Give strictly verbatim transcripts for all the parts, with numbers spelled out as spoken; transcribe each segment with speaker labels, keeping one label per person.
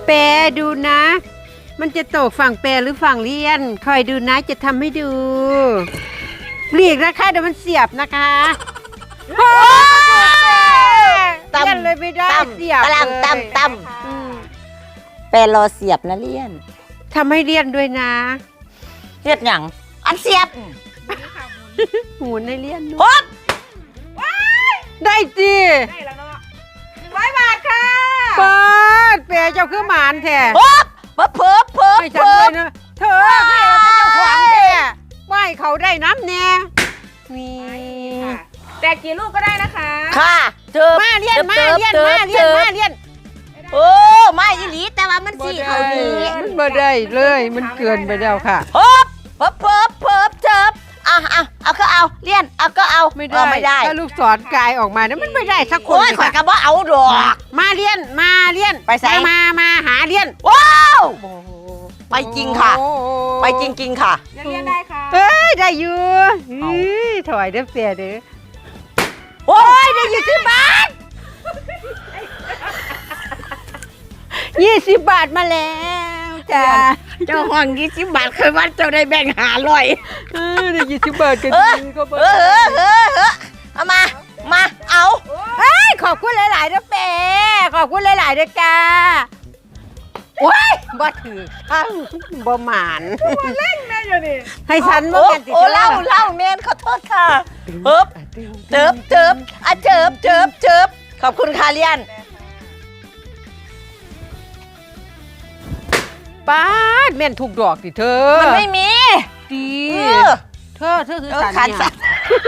Speaker 1: แปรดูนะ มันจะตกฝั่งแปรหรือฝั่งเลียนคอยดูนะจะทำให้ดูหลีกนะคะเดี๋ยวมันเสียบนะคะเลียนเลยไม่ได้เสียบเลย
Speaker 2: ตั้มตั้มแปรรอเสียบนะเลี่ยน
Speaker 1: ทำให้เลียนด้วยนะ
Speaker 2: เลียนอย่างอันเสียบ
Speaker 1: หมุนให้เลียนด้
Speaker 2: ฮ
Speaker 1: วย
Speaker 2: บ
Speaker 1: ได้จี
Speaker 3: ได้แล้วเนาะหนึ่งร้อยบาทค่ะ
Speaker 1: เปิดแปรเจ้าคือหมานแท้
Speaker 2: ฮบเพิ่มเพิ่มเพิ่ม
Speaker 1: ไม่ฉันเลยนะเธอพี่เราเป็นเจ้าของแท้ไม่เขาได้น้ำแน่นี่
Speaker 3: แต่กี่ลูกก็ได้นะคะ
Speaker 2: ค่ะเจอ
Speaker 1: มาเลียนมาเลียนมาเลียนมาเลียน
Speaker 2: โอ้ไม่อีหลีแต่ว่ามันสีเขาดี
Speaker 1: มันบ่ได้เลยมันเกินไปแล้วค่ะ
Speaker 2: ฮบเพิ่มเพิ่มเพิ่มเจิบอ่ะอ่ะเอาก็เอาเลี่ยนเอาก็เอา
Speaker 1: ไม่ได้
Speaker 2: ไม่ได้
Speaker 1: ถ้าลูกศรกายออกมาเนี่ยมันไม่ได้สักคน
Speaker 2: โอ้ยข่อยกระบอกเอาดอก
Speaker 1: มาเลียนมาเลียน
Speaker 2: ไปใส่
Speaker 1: มามาหาเลียน
Speaker 2: ว้าวไปจริงค่ะ ไปจริงๆค่ะ
Speaker 3: ยังเรียนได้ค่ะ
Speaker 1: เอ้ยได้อยู่เฮ้ยถอยเด้อเสียเด้อ
Speaker 2: โอ้ยได้ยี่สิบบาท
Speaker 1: ยี่สิบบาทมาแล้วจ้า
Speaker 2: เจ้าห้องยี่สิบบาทเคยวัดเจ้าได้แบ่งหาลอย
Speaker 1: เออได้ยี่สิบบาทกัน
Speaker 2: เออ
Speaker 1: ดีก็บ่
Speaker 2: เออเออเออเออเอามามาเอา
Speaker 1: เอ้ยขอบคุณหลายๆเด้อเป้ขอบคุณหลายๆเด้อจ้าว้ายบ่ถือข้างบ่หมาน
Speaker 3: เล่นแม่อยู่นี่
Speaker 1: ให้ฉันบ่
Speaker 2: โอ้
Speaker 1: แม่นติ
Speaker 2: โอ้เล่าเล่าเมนขอโทษค่ะเฮิบเจิบเจิบอ่ะเจิบเจิบเจิบขอบคุณค่ะเลียน
Speaker 1: ป้าดแม่นถูกดอกดิเธอ
Speaker 2: มันไม่มี
Speaker 1: ดี
Speaker 2: เออ
Speaker 1: เธอเธอคือ
Speaker 2: เออ
Speaker 1: สัน
Speaker 2: ขัน
Speaker 1: เนี่
Speaker 2: สั
Speaker 1: ย
Speaker 2: น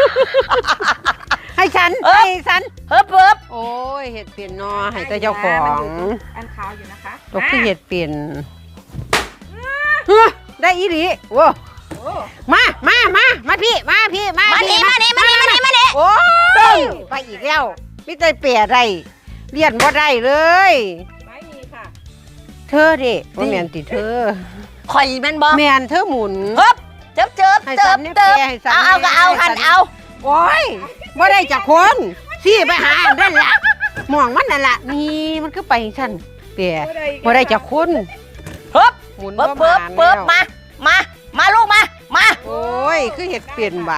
Speaker 1: ให้ฉัน
Speaker 2: เออ
Speaker 1: ให้ฉัน
Speaker 2: เฮิบเฮิบ
Speaker 1: โอ้ยเห็ดเปลี่ยนนอให้แต่เจ้าของ
Speaker 3: อันขาวอยู่นะคะ
Speaker 1: ตกที่เห็ดเปลี่ยนเฮ้ยได้อีหลีโว้
Speaker 3: โอ้
Speaker 1: มามามามาพี่มาพี่มา
Speaker 2: มา
Speaker 1: พี่
Speaker 2: นี่มานี่มานี่มานี่มานี่
Speaker 1: โอ้ยไปอีกแล้วพี่เตยเปียได้เลียนบ่ได้เลย
Speaker 3: ไม่มีค่ะ
Speaker 1: เธอดิว่าแมนติเธอ
Speaker 2: ข่อยแม่นบ่
Speaker 1: แมนเธอหมุน
Speaker 2: เฮิบเจิบเจิบ
Speaker 1: ให้
Speaker 2: เจิ
Speaker 1: สั
Speaker 2: บ
Speaker 1: นเนี่ย
Speaker 2: เจิบ
Speaker 1: แปรให้สัน
Speaker 2: เอาเอาก็เอา
Speaker 1: ให้สั
Speaker 2: หั
Speaker 1: น
Speaker 2: นเอา
Speaker 1: โอ้ยบ่ได้จากคนสี่ไปหาอันนั่นล่ะมองมันนั่นล่ะนี่มันก็ไปฉันเปียบ่ได้จากคน
Speaker 2: เฮิบ
Speaker 1: หมุน
Speaker 2: เปิบ
Speaker 1: บ่
Speaker 2: เปิบ
Speaker 1: มา
Speaker 2: เปิบ
Speaker 1: แล้ว
Speaker 2: มา มา มาลูกมา มา
Speaker 1: โอ้ยคือเห็ดเปลี่ยนบ่ะ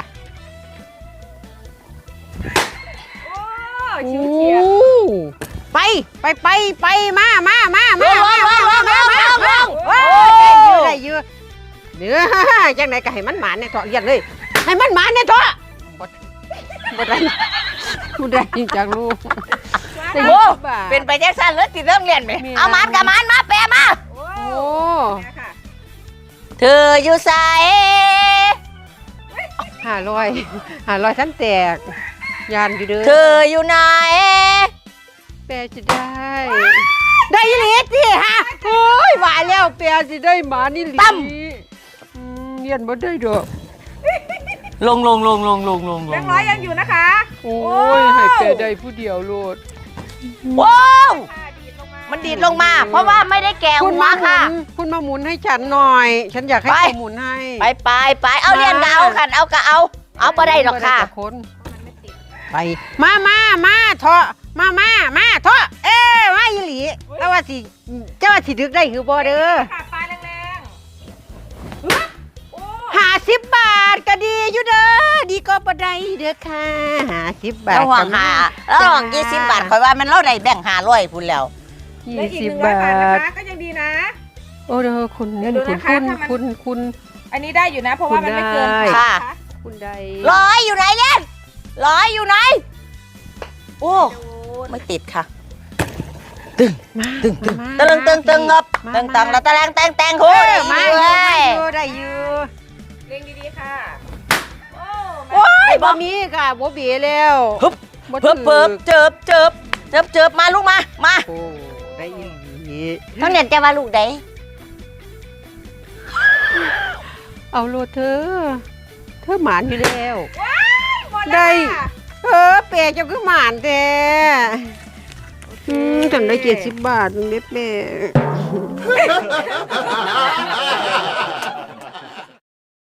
Speaker 3: โอ้
Speaker 1: โอ้
Speaker 3: ชิวเฉียด
Speaker 1: ไปไปไปไปมามามา
Speaker 2: ล
Speaker 1: มาง
Speaker 2: ลงลงลงลงลงลง
Speaker 1: โอ้
Speaker 2: โอ้
Speaker 1: ยได้เยอะได้เยอะเนื้อจังไหนก็ให้มันหมานเนี่ยเถาะเรียนเลย ให้มันหมานเนี่ยเถาะบ่บ่ได้บ่ได้จากลูกได้
Speaker 2: โอ้
Speaker 1: ยี่สิบบาท
Speaker 2: เป็นไปแจ็คสันเลยติดเรื่องเรียนไหม
Speaker 1: มี
Speaker 2: เอามันกับมันมาแปรมา
Speaker 3: โอ้
Speaker 1: โอ้
Speaker 3: แม่ค่ะ
Speaker 2: เธออยู่ใส่
Speaker 1: ห้าร้อยห้าร้อยฉันแตกยานอยู่เด้อ
Speaker 2: เธออยู่ไหน
Speaker 1: แปรจะได้ ได้ยี่หลีสิฮะโอ้ยว่าแล้วแปรสิได้หมานี่หลีอืมเรียนบ่ได้ดอก
Speaker 2: ลงลงลงลงลงลง
Speaker 3: แบงค์ร้อยยังอยู่นะคะ
Speaker 1: โอ้ยให้แปรได้ผู้เดียวโลด
Speaker 2: ว้าว
Speaker 3: ค่ะดีดลงมา
Speaker 2: มันดีดลงมา เพราะว่าไม่ได้แกะ
Speaker 1: คุณ
Speaker 2: หัว
Speaker 1: มาหมุ
Speaker 2: ค่ะ
Speaker 1: นคุณมาหมุนให้ฉันหน่อย ฉันอยากให้
Speaker 2: ไป
Speaker 1: เขาหมุนให้
Speaker 2: ไปไปไปเอาเรียนก็เอากันเอาก็เอา เอาไปได้หรอกค่ะ
Speaker 1: บ่จากคนไปมามามาเถาะมามามาเถาะเอ้ยมาอีหลีแล้วว่าสิเจ้าว่าสิดึกได้คือบ่เด้อ
Speaker 3: ค่ะปลายแรงๆโอ้
Speaker 1: ห้าสิบบาทก็ดีอยู่เด้อดีก็บ่ได้เด้อค่ะห้าสิบบาท
Speaker 2: แล้วห่วงหาแล้วห่วงยี่สิบบาทคอยว่ามันเล่าได้แบ่งหาร้อยพูนแล้ว
Speaker 1: ยี่
Speaker 3: ได้อีก
Speaker 1: สิ
Speaker 3: ห
Speaker 1: บ
Speaker 3: นึ่งร้อย
Speaker 1: บา
Speaker 3: บาทนะ
Speaker 1: ท
Speaker 3: คะ ก็ยังดีนะ
Speaker 1: โอ้เด้อคุณ
Speaker 3: เดี๋ยวดู
Speaker 1: คุณ
Speaker 3: นะคะ
Speaker 1: คุณ
Speaker 3: ถ้ามัน
Speaker 1: คุณคุณ
Speaker 3: อันนี้ได้อยู่นะ เพราะว่ามันไม่เกิน
Speaker 1: ได้
Speaker 2: ค่ะ
Speaker 1: คุณได้
Speaker 2: ร้อยอยู่ไหนเล่นร้อยอยู่ไหนโอ้ไม่ติดค่ะ
Speaker 1: มา
Speaker 2: ตึงตึง
Speaker 1: มา
Speaker 2: ตึงตึงตึงงบ
Speaker 1: มา
Speaker 2: ตึงตัง
Speaker 1: มา
Speaker 2: แล้วตะแรงแตงแตงโห
Speaker 1: เออ
Speaker 2: ได้
Speaker 1: มา
Speaker 2: อยู่
Speaker 1: อยู่
Speaker 2: เล
Speaker 1: ได้
Speaker 2: ย
Speaker 1: อยู่ได้อยู่
Speaker 3: เรียงดีๆค่ะ โอ้
Speaker 1: โอ้ยบ่มีค่ะบ่เบีแล้ว
Speaker 2: ฮึบ
Speaker 1: บ่
Speaker 2: เพิ่มเพิ่มเจิบเจิบเจิบเจิบมาลูกมา มา
Speaker 1: โอ้ได้อีหลี
Speaker 2: ต้องเรียนจะมาลูกไหน
Speaker 1: เอาโลดเธอ เธอหมานอยู่แล้ว
Speaker 3: หมด
Speaker 1: ได้
Speaker 3: แล้วค่ะ
Speaker 1: เออเปียเจ้าคือหมานแท้อืมจำได้เจ็ดสิบบาทนึงเด็ดแม่